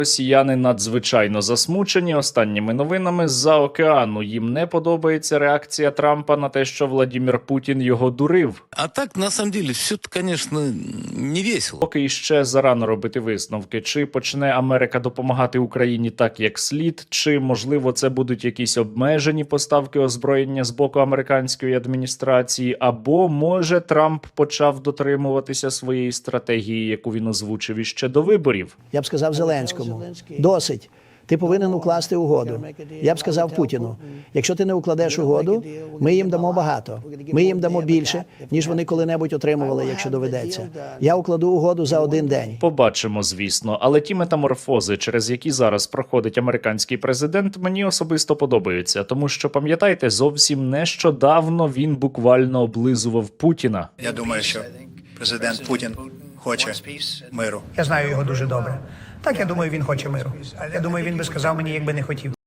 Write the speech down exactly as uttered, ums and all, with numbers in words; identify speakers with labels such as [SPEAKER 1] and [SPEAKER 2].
[SPEAKER 1] Росіяни надзвичайно засмучені останніми новинами з-за океану. Їм не подобається реакція Трампа на те, що Владимир Путін його дурив.
[SPEAKER 2] А так, на самом деле, все это, конечно, не весело.
[SPEAKER 1] Поки іще зарано робити висновки. Чи почне Америка допомагати Україні так, як слід, чи, можливо, це будуть якісь обмежені поставки озброєння з боку американської адміністрації, або, може, Трамп почав дотримуватися своєї стратегії, яку він озвучив іще до виборів.
[SPEAKER 3] Я б сказав Зеленському, досить. Ти повинен укласти угоду. Я б сказав Путіну, якщо ти не укладеш угоду, ми їм дамо багато. Ми їм дамо більше, ніж вони коли-небудь отримували, якщо доведеться. Я укладу угоду за один день.
[SPEAKER 1] Побачимо, звісно. Але ті метаморфози, через які зараз проходить американський президент, мені особисто подобаються. Тому що, пам'ятаєте, зовсім нещодавно він буквально облизував Путіна.
[SPEAKER 4] Я думаю, що президент Путін хоче миру.
[SPEAKER 5] Я знаю його дуже добре. Так, я думаю, він хоче миру. Я думаю, він би сказав мені, якби не хотів.